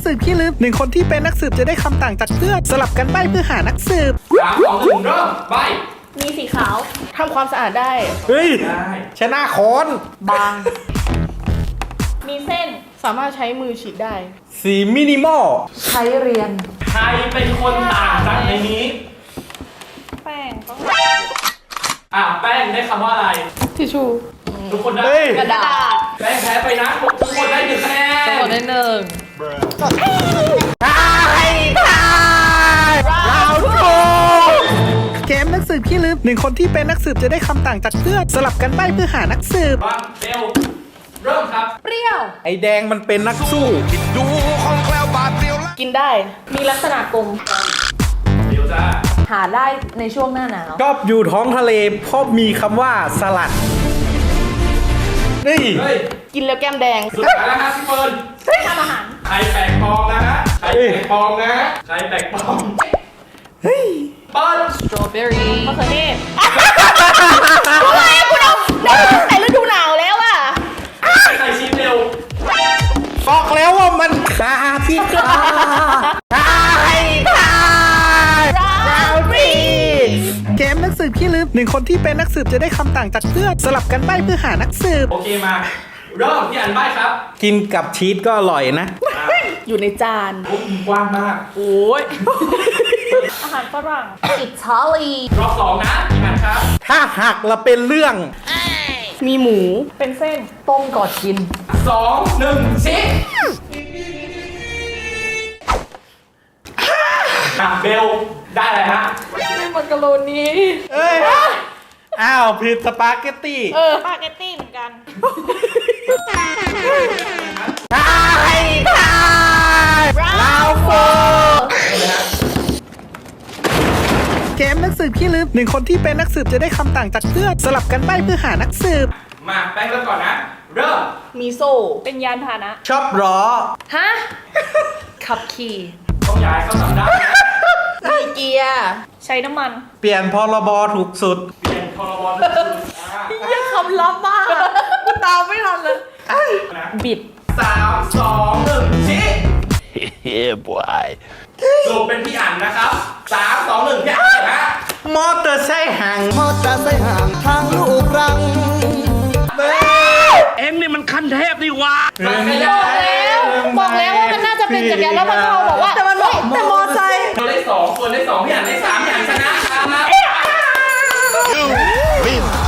สืบขี้ลืมหนึ่งคนที่เป็นนักสืบจะได้คำต่างจากเพื่อนสลับกันใบ้เพื่อหานักสืบ 3 2 1 เริ่มใบมีสีขาวทำความสะอาดได้เฮ้ยได้ชนะค้อนบาง มีเส้นสามารถใช้มือฉีดได้สีมินิมอลใช้เรียนใครเป็นคนต่างจากในนี้แป้งต้องแป้งได้คำว่าอะไรทิชชูทุกคนได้กระดาษแป้งแพ้ไปนะทุกคนได้1 คะแนนทั้งหมดได้หนึ่งเราถูกเกมนักสืบขี้ลืมหนึ่งคนที่เป็นนักสืบจะได้คำต่างจากเพื่อนสลับกันใบ้เพื่อหานักสืบวางเบลเริ่มครับเปรี้ยวไอแดงมันเป็นนักสู้กินได้ มีลักษณะกลมเบลจ้าหาได้ในช่วงหน้าหนาวชอบอยู่ท้องทะเลเพราะมีคำว่าสลัด นี่เฮ้ยกินแล้วแก้มแดงสุดท้ายแล้วครับพี่เฟิร์นทำอาหารใครแปลกปลอมนะฮะใครแปลกปลอมนะฮะใครแปลกปลอมเฮ้ยเปิดสตรอเบอรี่มะเขือเทศทำไมคุณเอาได้ตั้งแต่ฤดูหนาวแล้วอ่ะใครชิมเร็วบอกแล้วว่ามันขาที่กลาเกมนักสืบขี้ลืมหนึ่งคนที่เป็นนักสืบจะได้คำต่างจากเพื่อนสลับกันใบ้เพื่อหานักสืบโอเคมาเริ่มพี่อันใบครับกินกับชีสก็อร่อยนะอยู่ในจานโอ้ยกว้างมากโอ้ย อาหารฝรั่ง อิตาลีรอบ2นะพี่อันครับถ้าหักละเป็นเรื่องมีหมู เป็นเส้น ต้มก่อนกิน 2 1ชี้เบลได้เลยฮะเป็นมักกะโรนีเอ้ย อ้าวผิดสปาเกตตี้สปาเกตตี้เหมือนกันเราโฟเกมนักสืบขี้ลืมหนึ่งคนที่เป็นนักสืบจะได้คำต่างจากเพื่อนสลับกันใบ้เพื่อหานักสืบมาแป้งเริ่มก่อนนะ เริ่มมีโซ่ เป็นยานพาหนะชอบล้อฮะ ขับขี่ต้องย้ายเข้าสำนักนะมีเกียร์ ใช้น้ำมันเปลี่ยนพรบถูกสุดเปลี่ยนพรบทุกคนยังคำลับมากกูตามไม่ทันเลยนะบิด 3 2 1ชี้ Yeah, boy. สรุปเป็นพี่อันนะครับ 3 2 1พี่อันนะมอเตอร์ไซค์ห่างมอเตอร์ไซค์ห่างทางลูกรังเอ็งนี่มันขั้นเทพนี่หวะมันไม่ได้บอกแล้วว่ามันน่าจะเป็นจักรยานแล้วมันเขาบอกว่าแต่มันบอกแต่มอไซค์ตัวได้2คนได้2พี่อันได้3พี่อันชนะครับ win